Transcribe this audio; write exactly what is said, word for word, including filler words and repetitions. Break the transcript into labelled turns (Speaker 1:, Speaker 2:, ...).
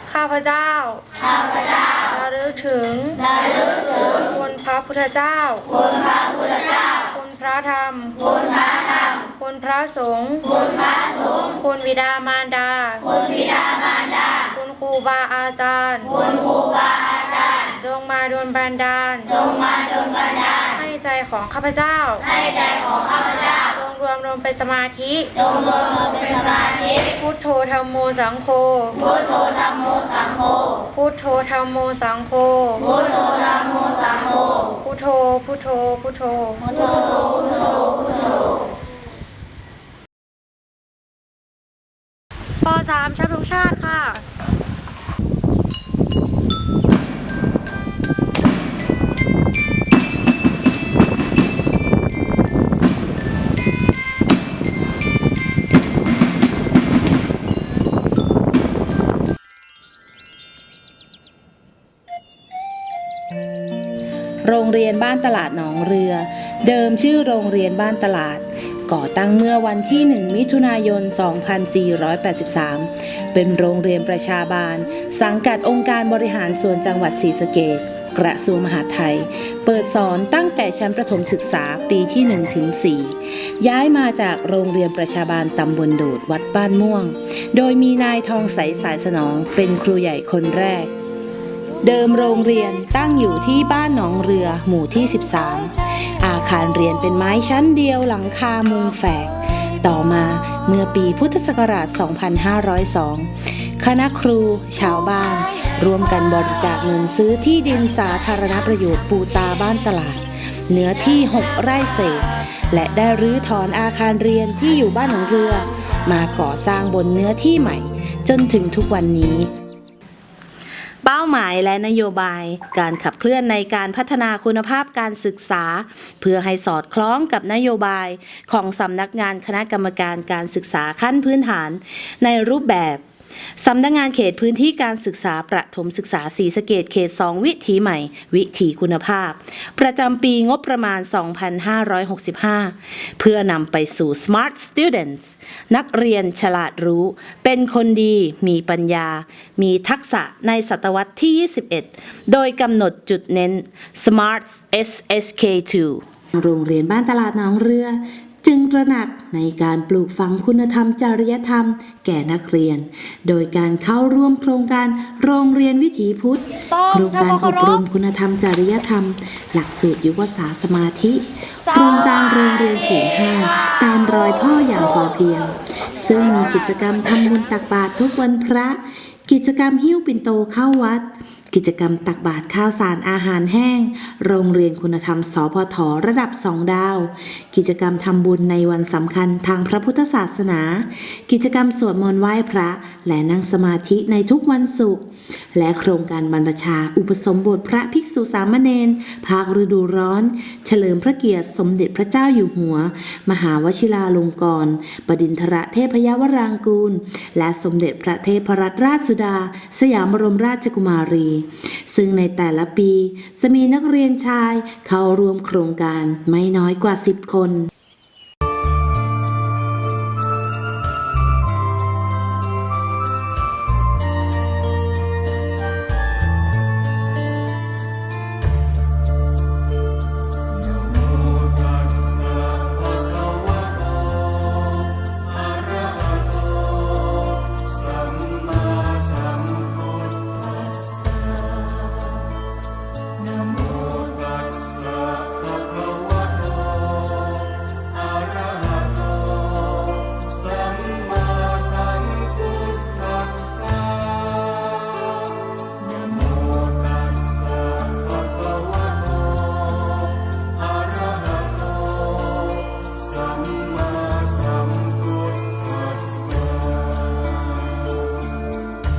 Speaker 1: ข้าพเจ้าข้าพเจ้าระลึกถึงระลึกถึงคุณพระพุทธเจ้าคุณพระพุทธเจ้าคุณพระธรรมคุณพระธรรมคุณพระสงฆ์คุณพระสงฆ์คุณบิดามารดาคุณบิดามารดาคุณครูบาอาจารย์คุณครูบาอาจารย์จงมาดลบันดาลจงมาดลบันดาลให้ใจของข้าพเจ้าให้ใจของข้าพเจ้าจงรวมลงเป็นสมาธิจงรวมลงเป็นสมาธิพุทโธธัมโมสังโฆพุทโธธัมโมสังโฆพุทโธธัมโมสังโฆพุทโธธัมโมสังโฆพุทโธพุทโธพุทโธพุทโธพุทโธพุทโธป.สาม ชาติธงชาติค่ะ
Speaker 2: โรงเรียนบ้านตลาดหนองเรือเดิมชื่อโรงเรียนบ้านตลาดก่อตั้งเมื่อวันที่หนึ่งมิถุนายนสองพันสี่ร้อยแปดสิบสามเป็นโรงเรียนประชาบาลสังกัดองค์การบริหารส่วนจังหวัดศรีสะเกษกระทรวงมหาดไทยเปิดสอนตั้งแต่ชั้นประถมศึกษาปีที่หนึ่งถึงสี่ย้ายมาจากโรงเรียนประชาบาลตำบลโดดวัดบ้านม่วงโดยมีนายทองใสสายสนองเป็นครูใหญ่คนแรกเดิมโรงเรียนตั้งอยู่ที่บ้านหนองเรือหมู่ที่สิบสามอาคารเรียนเป็นไม้ชั้นเดียวหลังคามุงแฝกต่อมาเมื่อปีพุทธศักราชสองพันห้าร้อยสองคณะครูชาวบ้านร่วมกันบริจาคเงินซื้อที่ดินสาธารณประโยชน์ปูตาบ้านตลาดเนื้อที่หกไร่เศษและได้รื้อถอนอาคารเรียนที่อยู่บ้านหนองเรือมาก่อสร้างบนเนื้อที่ใหม่จนถึงทุกวันนี้เป้าหมายและนโยบายการขับเคลื่อนในการพัฒนาคุณภาพการศึกษาเพื่อให้สอดคล้องกับนโยบายของสำนักงานคณะกรรมการการศึกษาขั้นพื้นฐานในรูปแบบสำนักงานเขตพื้นที่การศึกษาประถมศึกษาศรีสะเกษเขตสองวิถีใหม่วิถีคุณภาพประจำปีงบประมาณ สองพันห้าร้อยหกสิบห้า เพื่อนำไปสู่ Smart Students นักเรียนฉลาดรู้เป็นคนดีมีปัญญามีทักษะในศตวรรษที่ ยี่สิบเอ็ด โดยกำหนดจุดเน้น Smart เอส เอส เค ทู โรงเรียนบ้านตลาดหนองเรือจึงตระหนักในการปลูกฝังคุณธรรมจริยธรรมแก่นักเรียนโดยการเข้าร่วมโครงการโรงเรียนวิถีพุทธโครงการอบรมคุณธรรมจริยธรรมหลักสูตรยุวศาสตร์สมาธิโครงการโรงเรียนศีลห้าตามรอยพ่ออย่างพอเพียงซึ่งมีกิจกรรมทำบุญตักบาตรทุกวันพระกิจกรรมหิ้วปิ่นโตเข้าวัดกิจกรรมตักบาตรข้าวสารอาหารแห้งโรงเรียนคุณธรรมสพทระดับสองดาวกิจกรรมทำบุญในวันสำคัญทางพระพุทธศาสนากิจกรรมสวดมนต์ไหว้พระและนั่งสมาธิในทุกวันศุกร์และโครงการบรรพชาอุปสมบทพระภิกษุสามเณรภาคฤดูร้อนเฉลิมพระเกียรติสมเด็จพระเจ้าอยู่หัวมหาวชิราลงกรณ์บดินทรเทพยวรางกูลและสมเด็จพระเทพรัตนราชสุดาสยามบรมราชกุมารีซึ่งในแต่ละปีจะมีนักเรียนชายเข้าร่วมโครงการไม่น้อยกว่าสิบคน